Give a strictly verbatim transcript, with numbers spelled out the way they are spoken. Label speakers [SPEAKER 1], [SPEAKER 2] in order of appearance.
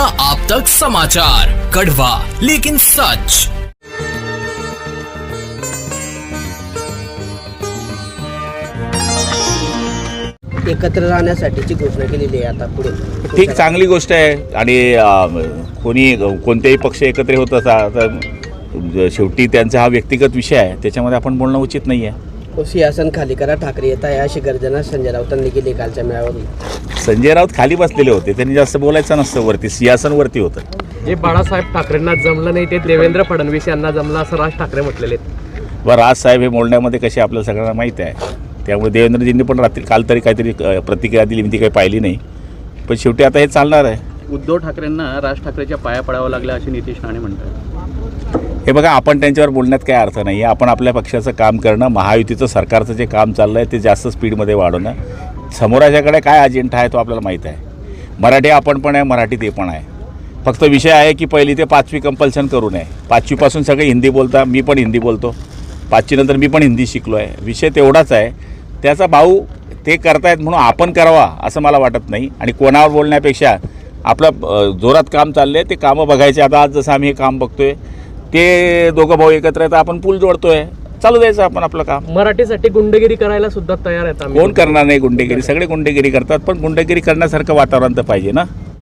[SPEAKER 1] नया आप तक समाचार, कड़वा लेकिन सच।
[SPEAKER 2] एकत्र राहण्यासाठीची घोषणा केलेली आहे आता पुढे।
[SPEAKER 3] ठीक, चांगली गोष्ट आहे। आणि कोणी कोणतेही पक्ष एकत्र होत असा तर शेवटी त्यांचा हा व्यक्तिगत विषय आहे, त्याच्यामध्ये आपण बोलणं उचित नाही आहे।
[SPEAKER 2] सिंहासन खाली करा, ठाकरे येत आहे अशी गर्जना संजय राऊतांनी केली कालच्या मेळाव्यावर।
[SPEAKER 3] संजय राऊत खाली बसलेले होते, त्यांनी जास्त बोलायचं नसतं, वरती सिंहासन वरती होतं।
[SPEAKER 4] जे बाळासाहेब ठाकरेंना जमलं नाही ते देवेंद्र फडणवीस यांना जमलं असं राज ठाकरे म्हटलेले आहेत।
[SPEAKER 3] व राजसाहेब हे बोलण्यामध्ये कसे आपल्याला सगळ्यांना माहीत आहे, त्यामुळे देवेंद्रजींनी पण रात्री काल तरी काहीतरी प्रतिक्रिया दिली, मी ती काही पाहिली नाही, पण शेवटी आता हे चालणार आहे।
[SPEAKER 5] उद्धव ठाकरेंना राज ठाकरेच्या पाया पडावं लागलं असे नितीश राणे म्हणतात।
[SPEAKER 3] हे बघा, आपण त्यांच्यावर बोलण्यात काय अर्थ नाही आहे। आपण आपल्या पक्षाचं काम करणं, महायुतीचं सरकारचं जे काम चाललं आहे ते जास्त स्पीडमध्ये वाढवणं, समोराच्याकडे काय अजेंडा आहे तो आपल्याला माहीत आहे। मराठी आपण पण आहे, मराठी ते पण आहे। फक्त विषय आहे की पहिली ते पाचवी कंपल्सन करू नये। पाचवीपासून सगळे हिंदी बोलता, मी पण हिंदी बोलतो, पाचवीनंतर मी पण हिंदी शिकलो आहे, विषय तेवढाच आहे। त्याचा भाऊ ते करतायत म्हणून आपण करावा असं मला वाटत नाही। आणि कोणावर बोलण्यापेक्षा आपलं जोरात काम चाललं आहे ते कामं बघायचे। आता आज जसं आम्ही हे काम बघतोय ते दोघं भाऊ एकत्र आहेत, आपण पूल जोडतोय, चालू द्यायचं आपण आपलं काम।
[SPEAKER 4] मराठीसाठी गुंडगिरी करायला सुद्धा तयार आहेत आम्ही।
[SPEAKER 3] कोण करणार नाही गुंडेगिरी? सगळे गुंडेगिरी करतात, पण गुंडेगिरी करण्यासारखं वातावरण तर पाहिजे ना।